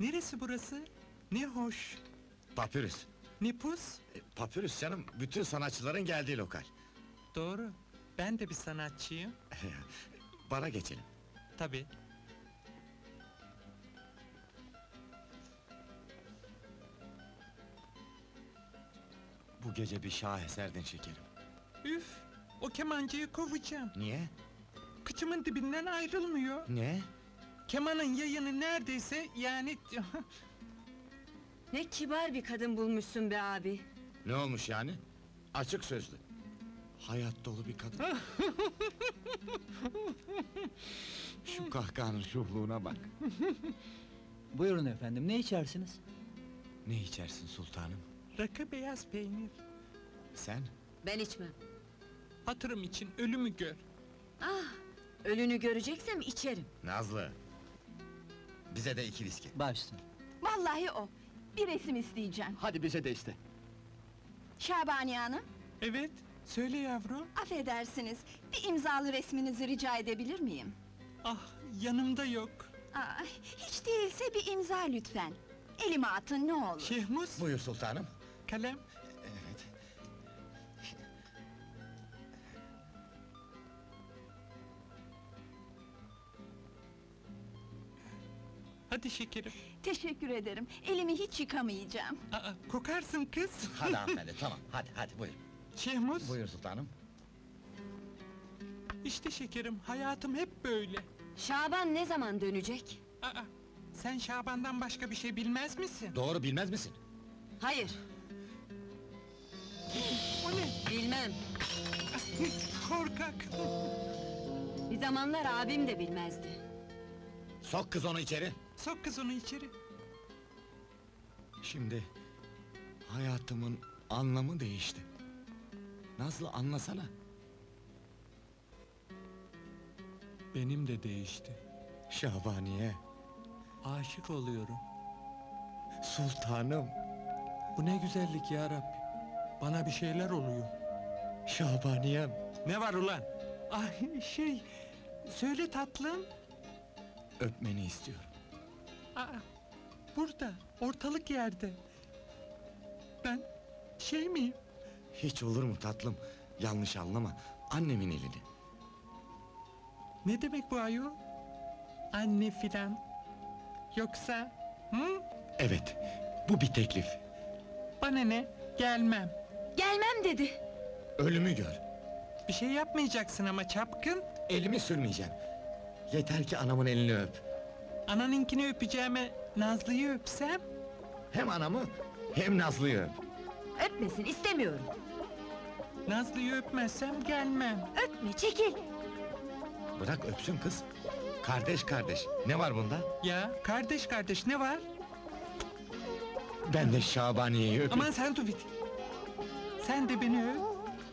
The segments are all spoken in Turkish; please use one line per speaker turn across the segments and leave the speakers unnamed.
Neresi burası? Ne hoş.
Papyrus.
Ne pus?
Papyrus canım, bütün sanatçıların geldiği lokal.
Doğru. Ben de bir sanatçıyım.
Bara geçelim.
Tabii.
Bu gece bir şaheserdin şekerim.
Üf! O kemancıyı kovacağım.
Niye?
Kıçımın dibinden ayrılmıyor.
Ne?
Kemanın yayını neredeyse yani...
Ne kibar bir kadın bulmuşsun be abi.
Ne olmuş yani? Açık sözlü. Hayat dolu bir kadın. Şu kahkahanın şuhluğuna bak.
Buyurun efendim, ne içersiniz?
Ne içersin sultanım?
Rakı beyaz peynir.
Sen?
Ben içmem.
Hatırım için ölümü gör.
Ah, ölünü göreceksem içerim.
Nazlı! Bize de 2 viski.
Başsın.
Vallahi o. Bir resim isteyeceğim.
Hadi bize de iste.
Şabaniye Hanım,
Evet, söyle yavrum.
affedersiniz. Bir imzalı resminizi rica edebilir miyim?
Ah, yanımda yok.
Aa, hiç değilse bir imza lütfen. Elime atın ne olur.
Şehmus,
Buyur sultanım.
kalem.
Evet.
Hadi şekerim.
Teşekkür ederim. Elimi hiç yıkamayacağım.
Aa, kokarsın kız.
Hadi hanımefendi, tamam. Hadi buyur.
Şehmus,
Buyur sultanım.
işte şekerim, hayatım hep böyle.
Şaban ne zaman dönecek?
Aa, sen Şaban'dan başka bir şey bilmez misin?
Doğru bilmez misin?
Hayır,
O ne?
bilmem.
Korkak!
Bir zamanlar abim de bilmezdi.
Sok kız onu içeri.
Sok kız onu içeri.
Şimdi hayatımın anlamı değişti. Nazlı anlasana.
Benim de değişti.
Şabaniye,
Aşık oluyorum.
sultanım,
Bu ne güzellik ya Rabbi. Bana bir şeyler oluyor.
Şabaniyem.
Ne var ulan? Ay söyle tatlım.
Öpmeni istiyorum.
Aa, burada, ortalık yerde. Ben miyim?
Hiç olur mu tatlım? Yanlış anlama. Annemin elini.
Ne demek bu ayol? Anne filan. Yoksa, hı?
Evet, bu bir teklif.
Bana ne? Gelmem.
Gelmem dedi.
Ölümü gör.
Bir şey yapmayacaksın ama çapkın.
Elimi sürmeyeceğim. Yeter ki anamın elini öp.
Ananınkini öpeceğime Nazlı'yı öpsem.
Hem anamı hem Nazlı'yı öp.
Öpmesin, istemiyorum.
Nazlı'yı öpmezsem gelmem.
Öpme, çekil.
Bırak öpsün kız. Kardeş kardeş. Ne var bunda?
Ya kardeş kardeş ne var?
Ben de Şabaniye'yi öpeyim.
Aman sen dur bir. Sen de beni öp.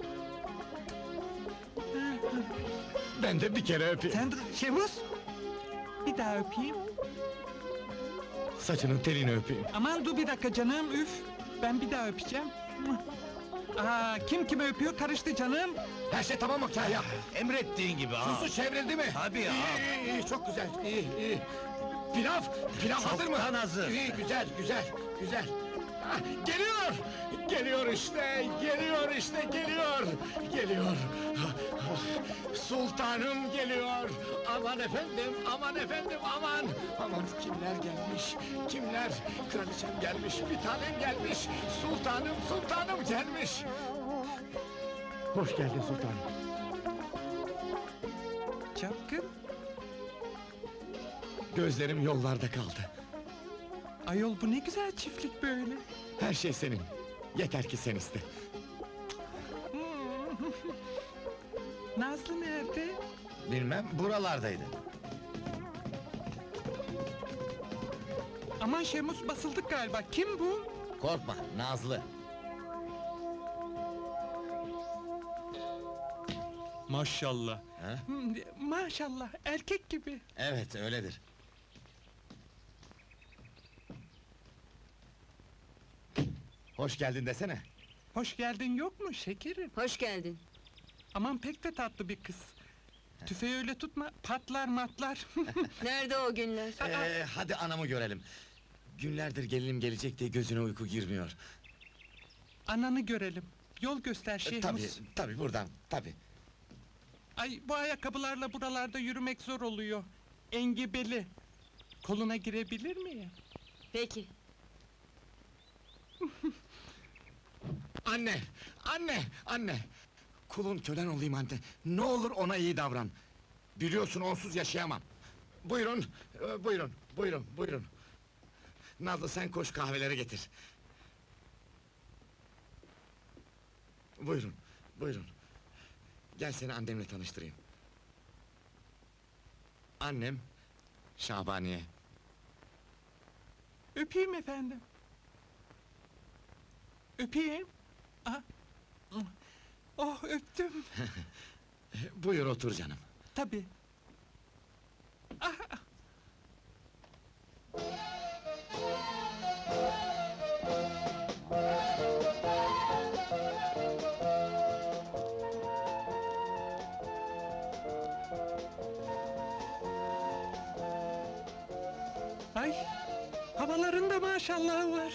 Ben de bir kere öpeyim.
Sen dur Şevuz. Bir daha öpeyim.
Saçının telini öpeyim.
Aman dur bir dakika canım üf. Ben bir daha öpeceğim. Aa, kim kime öpüyor karıştı canım.
Her şey tamam mı Kahya?
Emrettiğin gibi ha.
Susu çevrildi mi?
Tabii
iyi,
ağam.
iyi, çok güzel. İyi. Pilav hazır mı?
Çoktan hazır.
İyi, güzel. Ah, geliyor! Geliyor işte. Sultanım geliyor. Aman efendim, aman. Aman kimler gelmiş? Kraliçem gelmiş, bir tanem gelmiş. Sultanım gelmiş. Hoş geldin sultanım.
Çapkın.
Gözlerim yollarda kaldı.
Ayol bu ne güzel çiftlik böyle.
Her şey senin. Yeter ki sen iste.
Nazlı nerede?
Bilmem, buralardaydı.
Aman Şemus basıldık galiba. Kim bu?
Korkma, Nazlı.
Maşallah.
Ha?
Maşallah erkek gibi.
Evet, öyledir. Hoş geldin desene.
Hoş geldin yok mu şekerim?
Hoş geldin.
Aman pek de tatlı bir kız. Tüfeği öyle tutma, patlar matlar.
Nerede o günler?
Hadi anamı görelim. Günlerdir gelinim gelecek diye gözüne uyku girmiyor.
Ananı görelim. Yol göster Şehmus.
Tabii buradan, tabii.
Ay bu ayakkabılarla buralarda yürümek zor oluyor. Engebeli. Koluna girebilir miyim?
Peki.
Anne, anne! Kulun kölen olayım anne. Ne olur ona iyi davran. Biliyorsun onsuz yaşayamam. Buyurun. Nazlı sen koş kahveleri getir. Buyurun. Gel seni annemle tanıştırayım. Annem, Şabaniye.
Öpeyim efendim. Öpeyim. Aha. Oh öptüm.
Buyur otur canım.
Tabii. Ah, ay, havalarında maşallah var.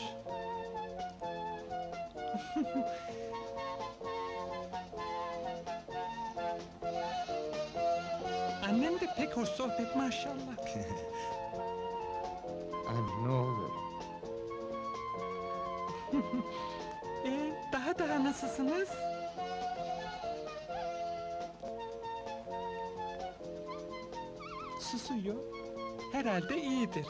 Annem de pek hoş sohbet maşallah.
Anne ne olur.
Daha nasılsınız? Susuyor. Herhalde iyidir.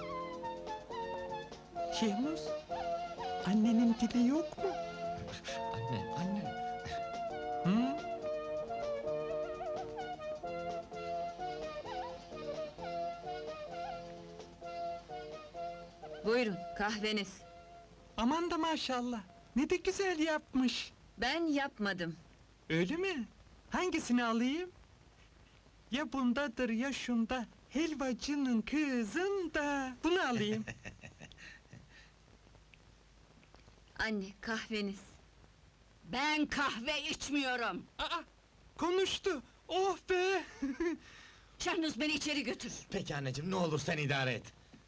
Şehmus, annenin dili yok mu?
Anne.
Hı?
Buyurun, kahveniz.
Aman da maşallah. Ne de güzel yapmış.
Ben yapmadım.
Öyle mi? Hangisini alayım? Ya bundadır ya şunda. Helvacının kızında. Bunu alayım.
Anne, kahveniz.
Ben kahve içmiyorum.
Aa, konuştu. Oh be!
Şahnuz beni içeri götür.
Peki anneciğim ne olur sen idare et.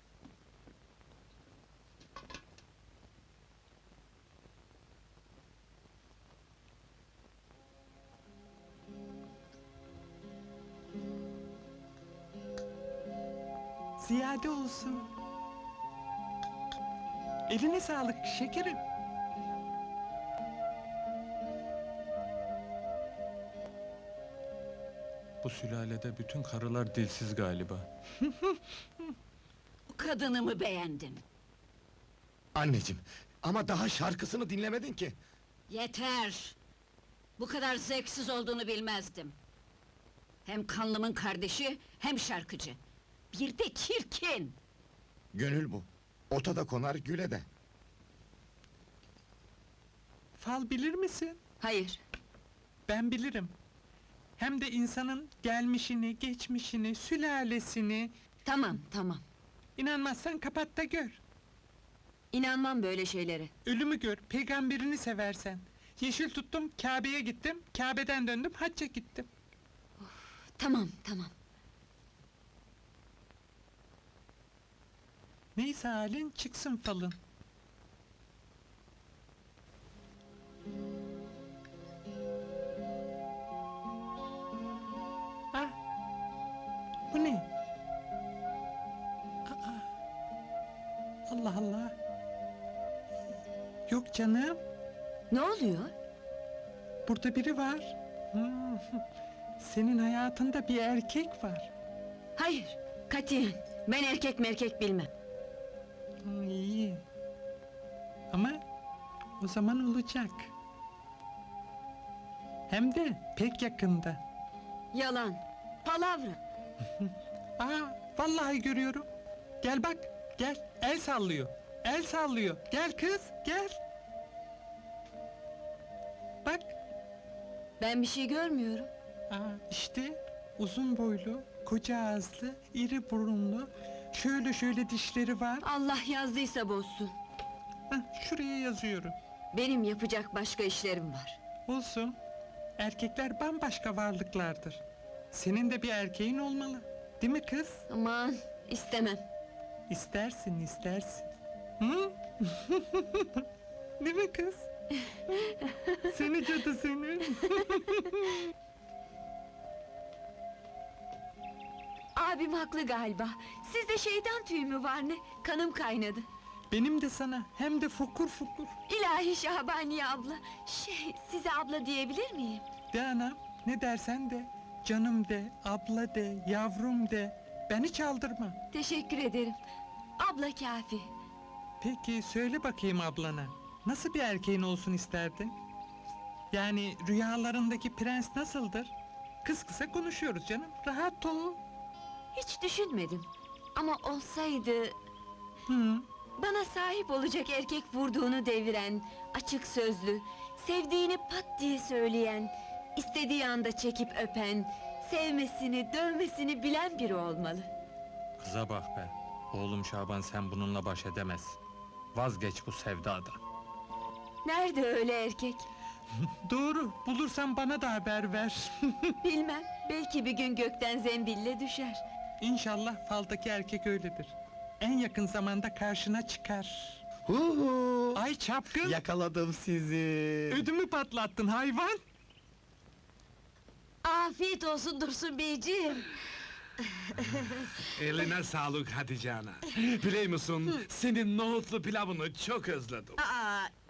Ziyade olsun. Eline sağlık şekerim. Bu sülalede bütün karılar dilsiz galiba.
Bu kadını mı beğendin?
Anneciğim ama daha şarkısını dinlemedin ki.
Yeter! Bu kadar zevksiz olduğunu bilmezdim. Hem kanlımın kardeşi, hem şarkıcı. Bir de çirkin!
Gönül bu. Ota da konar güle de.
Fal bilir misin?
Hayır,
Ben bilirim. Hem de insanın gelmişini, geçmişini, sülalesini...
tamam.
İnanmazsan kapat da gör.
İnanmam böyle şeylere.
Ölümü gör, peygamberini seversen. Yeşil tuttum, Kabe'ye gittim, Kabe'den döndüm, hacca gittim.
Tamam.
Neyse halin, çıksın falın. Ah! Bu ne? Aa! Allah Allah! Yok canım,
Ne oluyor?
burada biri var. Hmm, senin hayatında bir erkek var.
Hayır, katiyen. Ben erkek merkek bilmem.
İyi. Ama o zaman olacak. Hem de pek yakında.
Yalan, palavra.
Aa, vallahi görüyorum. Gel bak, gel. El sallıyor. El sallıyor. Gel kız, gel. Bak.
Ben bir şey görmüyorum.
Aa, işte uzun boylu, koca ağızlı, iri burunlu, şöyle dişleri var.
Allah yazdıysa bozsun.
Hah, şuraya yazıyorum.
Benim yapacak başka işlerim var.
Olsun. Erkekler bambaşka varlıklardır. Senin de bir erkeğin olmalı. Değil mi kız?
Aman, istemem.
İstersin. Hı? Değil mi kız? Seni cadı seni.
Abim haklı galiba. Sizde şeytan tüyü mü var ne? Kanım kaynadı.
Benim de sana, hem de fokur fokur.
İlahi Şahbaniye abla. Size abla diyebilir miyim?
De anam, ne dersen de. Canım de, abla de, yavrum de. Beni çaldırma.
Teşekkür ederim. Abla kafi.
Peki, söyle bakayım ablana. Nasıl bir erkeğin olsun isterdin? Yani rüyalarındaki prens nasıldır? Kız kısa konuşuyoruz canım, rahat ol.
Hiç düşünmedim. Ama olsaydı...
Hı.
Bana sahip olacak erkek vurduğunu deviren, açık sözlü, sevdiğini pat diye söyleyen, istediği anda çekip öpen, sevmesini, dövmesini bilen biri olmalı.
Kıza bak be. Oğlum Şaban sen bununla baş edemez. Vazgeç bu sevdadan.
Nerede öyle erkek?
Doğru, bulursan bana da haber ver.
Bilmem, belki bir gün gökten zembille düşer.
İnşallah faldaki erkek öyledir. En yakın zamanda karşına çıkar.
Huhu!
Ay çapkın!
Yakaladım sizi.
Ödümü patlattın hayvan!
Afiyet olsun Dursun beyciğim.
Eline sağlık Hatice ana. Biliyor musun, senin nohutlu pilavını çok özledim.
Aa,